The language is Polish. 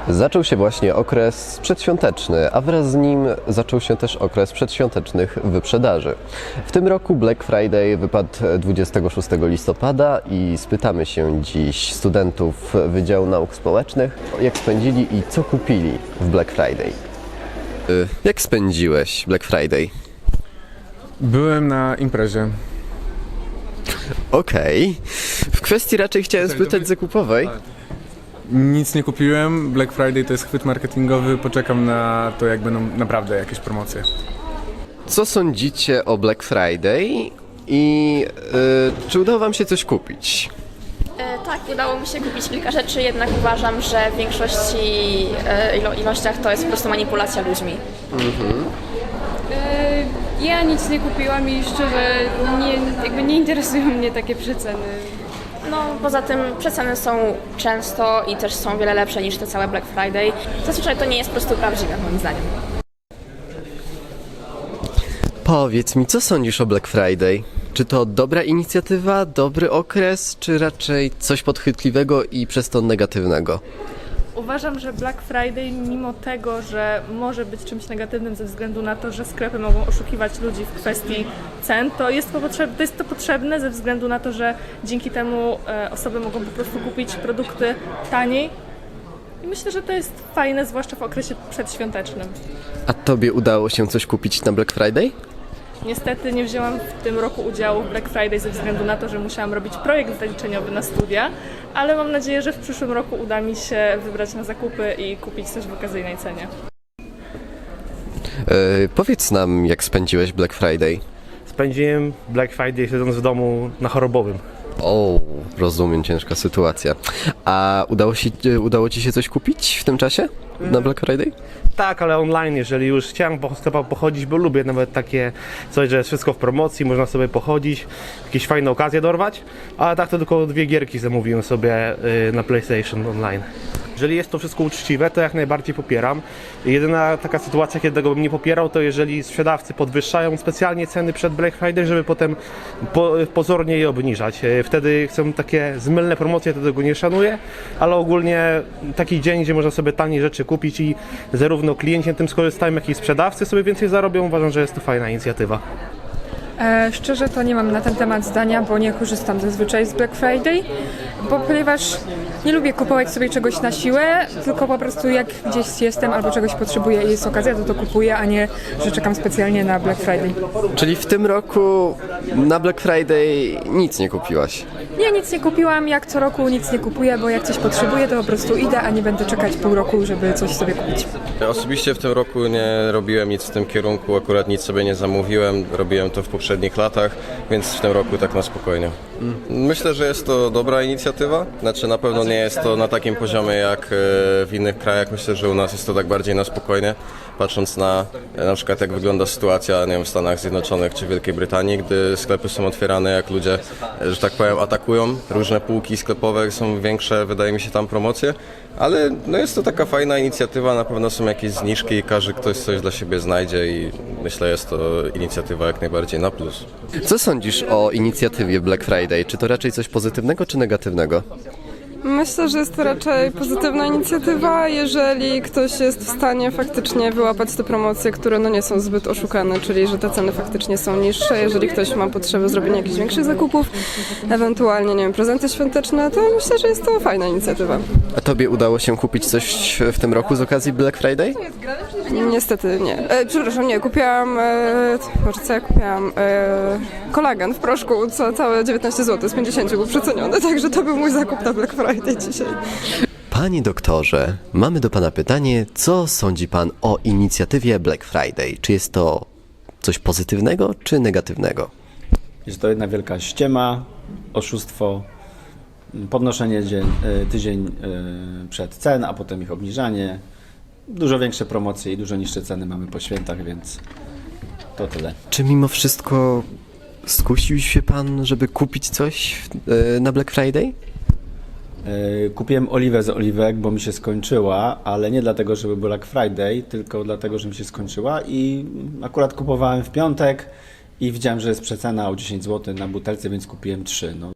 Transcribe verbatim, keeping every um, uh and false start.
Zaczął się właśnie okres przedświąteczny, a wraz z nim zaczął się też okres przedświątecznych wyprzedaży. W tym roku Black Friday wypadł dwudziestego szóstego listopada i spytamy się dziś studentów Wydziału Nauk Społecznych, jak spędzili i co kupili w Black Friday. Jak spędziłeś Black Friday? Byłem na imprezie. Okej. W kwestii raczej chciałem spytać zakupowej. Nic nie kupiłem. Black Friday to jest chwyt marketingowy. Poczekam na to, jak będą naprawdę jakieś promocje. Co sądzicie o Black Friday i yy, czy udało wam się coś kupić? E, tak, udało mi się kupić kilka rzeczy, jednak uważam, że w większości e, ilo- ilościach to jest po prostu manipulacja ludźmi. E, Ja nic nie kupiłam i szczerze nie, jakby nie interesują mnie takie przeceny. No, poza tym przeceny są często i też są wiele lepsze niż te całe Black Friday. Zazwyczaj to nie jest po prostu prawdziwe, moim zdaniem. Powiedz mi, co sądzisz o Black Friday? Czy to dobra inicjatywa, dobry okres, czy raczej coś podchwytliwego i przez to negatywnego? Uważam, że Black Friday, mimo tego, że może być czymś negatywnym ze względu na to, że sklepy mogą oszukiwać ludzi w kwestii cen, to jest to, potrzeb- to, jest to potrzebne ze względu na to, że dzięki temu e, osoby mogą po prostu kupić produkty taniej. I myślę, że to jest fajne, zwłaszcza w okresie przedświątecznym. A tobie udało się coś kupić na Black Friday? Niestety nie wzięłam w tym roku udziału w Black Friday ze względu na to, że musiałam robić projekt zaliczeniowy na studia, ale mam nadzieję, że w przyszłym roku uda mi się wybrać na zakupy i kupić coś w okazyjnej cenie. Yy, powiedz nam, jak spędziłeś Black Friday? Spędziłem Black Friday siedząc w domu na chorobowym. O, rozumiem, ciężka sytuacja. A udało, się, udało ci się coś kupić w tym czasie na Black Friday? Tak, ale online, jeżeli już chciałem po sklepach pochodzić, bo lubię nawet takie coś, że jest wszystko w promocji, można sobie pochodzić, jakieś fajne okazje dorwać, ale tak to tylko dwie gierki zamówiłem sobie y, na PlayStation Online. Jeżeli jest to wszystko uczciwe, to jak najbardziej popieram. Jedyna taka sytuacja, kiedy tego bym nie popierał, to jeżeli sprzedawcy podwyższają specjalnie ceny przed Black Friday, żeby potem po, pozornie je obniżać. Wtedy chcą takie zmylne promocje, to tego nie szanuję, ale ogólnie taki dzień, gdzie można sobie taniej rzeczy kupić i zarówno klienci na tym skorzystają, jak i sprzedawcy sobie więcej zarobią, uważam, że jest to fajna inicjatywa. E, szczerze to nie mam na ten temat zdania, bo nie korzystam zazwyczaj z Black Friday, bo ponieważ nie lubię kupować sobie czegoś na siłę, tylko po prostu jak gdzieś jestem albo czegoś potrzebuję i jest okazja, to to kupuję, a nie, że czekam specjalnie na Black Friday. Czyli w tym roku na Black Friday nic nie kupiłaś? Nie, nic nie kupiłam, jak co roku nic nie kupuję, bo jak coś potrzebuję, to po prostu idę, a nie będę czekać pół roku, żeby coś sobie kupić. Osobiście w tym roku nie robiłem nic w tym kierunku, akurat nic sobie nie zamówiłem, robiłem to w poprzednich latach, więc w tym roku tak na spokojnie. Myślę, że jest to dobra inicjatywa, znaczy na pewno nie jest to na takim poziomie jak w innych krajach, myślę, że u nas jest to tak bardziej na spokojnie, patrząc na na przykład jak wygląda sytuacja, nie wiem, w Stanach Zjednoczonych czy Wielkiej Brytanii, gdy sklepy są otwierane, jak ludzie, że tak powiem, atakują, różne półki sklepowe, są większe, wydaje mi się, tam promocje, ale no jest to taka fajna inicjatywa, na pewno są jakieś zniżki i każdy ktoś coś dla siebie znajdzie i myślę, jest to inicjatywa jak najbardziej na plus. Co sądzisz o inicjatywie Black Friday? Czy to raczej coś pozytywnego czy negatywnego? Myślę, że jest to raczej pozytywna inicjatywa, jeżeli ktoś jest w stanie faktycznie wyłapać te promocje, które no nie są zbyt oszukane, czyli że te ceny faktycznie są niższe. Jeżeli ktoś ma potrzebę zrobienia jakichś większych zakupów, ewentualnie, nie wiem, prezenty świąteczne, to myślę, że jest to fajna inicjatywa. A tobie udało się kupić coś w tym roku z okazji Black Friday? Niestety nie. E, przepraszam, nie, kupiłam, e, może co ja kupiłam? E, kolagen w proszku, co całe dziewiętnaście złotych, z pięćdziesiąt był przeceniony, także to był mój zakup na Black Friday dzisiaj. Panie doktorze, mamy do pana pytanie, co sądzi pan o inicjatywie Black Friday? Czy jest to coś pozytywnego czy negatywnego? Jest to jedna wielka ściema, oszustwo, podnoszenie dzień, tydzień przed cen, a potem ich obniżanie. Dużo większe promocje i dużo niższe ceny mamy po świętach, więc to tyle. Czy mimo wszystko skusił się pan, żeby kupić coś yy, na Black Friday? Kupiłem oliwę z oliwek, bo mi się skończyła, ale nie dlatego, żeby był Black Friday, tylko dlatego, że mi się skończyła i akurat kupowałem w piątek i widziałem, że jest przecena o dziesięć złotych na butelce, więc kupiłem trzy. No,